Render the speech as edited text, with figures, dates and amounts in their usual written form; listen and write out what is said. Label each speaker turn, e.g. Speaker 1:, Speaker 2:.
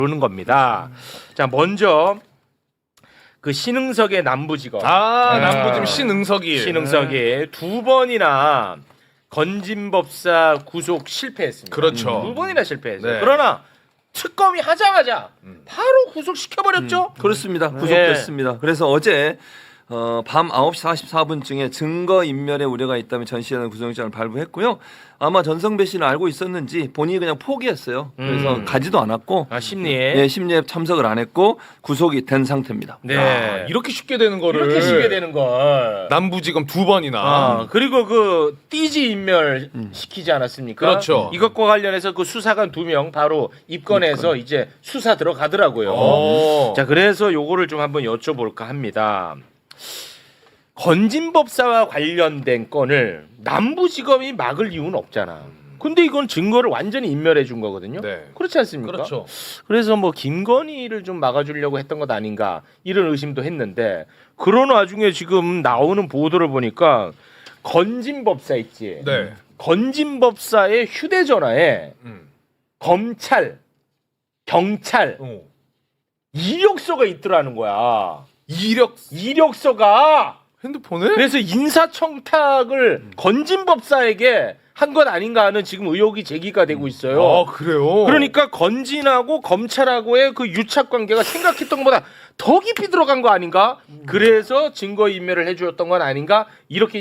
Speaker 1: 그러는 겁니다. 자, 먼저 그 신응석의 남부지검.
Speaker 2: 남부지검 신응석이.
Speaker 1: 신응석이 두 번이나 건진법사 구속 실패했습니다.
Speaker 2: 그렇죠.
Speaker 1: 두 번이나 실패했어요.
Speaker 2: 네.
Speaker 1: 그러나 특검이 하자마자 바로 구속시켜버렸죠.
Speaker 3: 그렇습니다. 구속됐습니다. 그래서 어제 밤 9시 44분쯤에 증거인멸의 우려가 있다면 전 씨라는 구속영장을 발부했고요. 아마 전성배 씨는 알고 있었는지 본인이 그냥 포기했어요. 그래서 가지도 않았고
Speaker 1: 심리에.
Speaker 3: 네, 심리에 참석을 안 했고 구속이 된 상태입니다.
Speaker 1: 네.
Speaker 2: 야, 이렇게 쉽게 되는 거를.
Speaker 1: 이렇게 쉽게 되는 걸.
Speaker 2: 남부지검 두 번이나.
Speaker 1: 그리고 그 띠지 인멸 시키지 않았습니까?
Speaker 2: 그렇죠.
Speaker 1: 이것과 관련해서 그 수사관 2명 바로 입건해서 이제 수사 들어가더라고요.
Speaker 2: 오.
Speaker 1: 자, 그래서 요거를 좀 한번 여쭤볼까 합니다. 건진법사와 관련된 건을 남부지검이 막을 이유는 없잖아. 근데 이건 증거를 완전히 인멸해 준 거거든요.
Speaker 2: 네.
Speaker 1: 그렇지 않습니까?
Speaker 2: 그렇죠.
Speaker 1: 그래서 뭐 김건희를 좀 막아주려고 했던 것 아닌가 이런 의심도 했는데 그런 와중에 지금 나오는 보도를 보니까 건진법사 있지.
Speaker 2: 네.
Speaker 1: 건진법사의 휴대전화에 검찰, 경찰
Speaker 2: 어.
Speaker 1: 이력서가 있더라는 거야. 이력서가.
Speaker 2: 핸드폰에?
Speaker 1: 그래서 인사청탁을 건진법사에게 한 것 아닌가 하는 지금 의혹이 제기가 되고 있어요.
Speaker 2: 아, 그래요?
Speaker 1: 그러니까 건진하고 검찰하고의 그 유착 관계가 생각했던 것보다 더 깊이 들어간 거 아닌가? 그래서 증거 인멸을 해주었던 건 아닌가? 이렇게